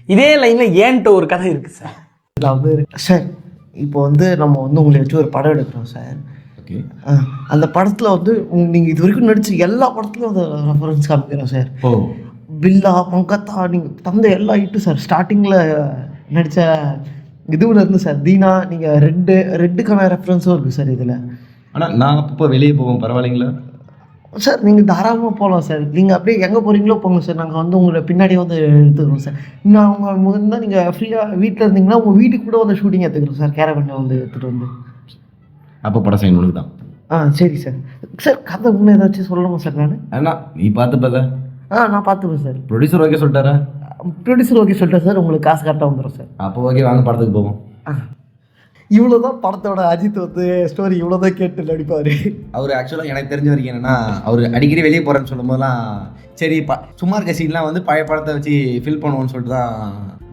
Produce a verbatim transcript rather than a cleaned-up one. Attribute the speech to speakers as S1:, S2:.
S1: இதே லைனில் ஏன்ட்டு ஒரு கதை இருக்குது சார்.
S2: இதில் வந்து சார் இப்போ வந்து நம்ம வந்து உங்களை வச்சு ஒரு படம் எடுக்கிறோம் சார்.
S3: ஓகே.
S2: அந்த படத்தில் வந்து நீங்கள் இது வரைக்கும் நடிச்ச எல்லா படத்துலையும் அந்த ரெஃபரன்ஸ் காமிக்கிறோம் சார்.
S3: ஓ
S2: பில்லா மங்கத்தா நீங்கள் தந்த எல்லா ஹிட்டும் சார். ஸ்டார்டிங்கில் நடித்த இதுவில் இருந்து சார் தீனா நீங்கள் ரெட்டு ரெட்டுக்கான ரெஃபரன்ஸும் இருக்குது சார் இதில்.
S3: ஆனால் நான் அப்பப்போ வெளியே போவோம், பரவாயில்லைங்களா
S2: சார்? நீங்கள் தாராளமாக போகலாம் சார். நீங்கள் அப்படியே எங்கே போகிறீங்களோ போங்க சார். நாங்கள் வந்து உங்களை பின்னாடியே வந்து எடுத்துக்கிறோம் சார். நான் உங்கள் முதல்ல நீங்கள் ஃப்ரீயாக வீட்டில் இருந்தீங்கன்னா உங்கள் வீட்டுக்கு கூட வந்து ஷூட்டிங் எடுத்துக்கிறோம் சார். கேரவனை வந்து எடுத்துகிட்டு வந்து.
S3: அப்போ படம் செய்யணும் உனக்கு தான்.
S2: ஆ சரி சார். சார் கதை இன்னும் ஏதாச்சும் சொல்லணுமா சார்? நான்
S3: அண்ணா நீ பார்த்து பார்த்தா
S2: ஆ நான் பார்த்துப்பேன் சார்.
S3: ப்ரொடியூசர் ஓகே சொல்லிட்டாரா?
S2: ப்ரொடியூசர் ஓகே சொல்லிட்டேன் சார். உங்களுக்கு காசு கரெக்டாக வந்துடும் சார்.
S3: அப்போ ஓகே, வாங்க படத்துக்கு போவோம்.
S2: ஆ இவ்வளோ தான் படத்தோட அஜித் வந்து ஸ்டோரி இவ்வளோ தான் கேட்டு நடிப்பார்.
S3: அவர் ஆக்சுவலாக எனக்கு தெரிஞ்ச வரைக்கும் என்னென்னா, அவர் அடிக்கடி வெளியே போகிறேன்னு சொல்லும் போதெல்லாம் சரி ப சும்மா இருக்க சீன்லாம் வந்து பழைய படத்தை வச்சு ஃபில் பண்ணுவோன்னு சொல்லிட்டு தான்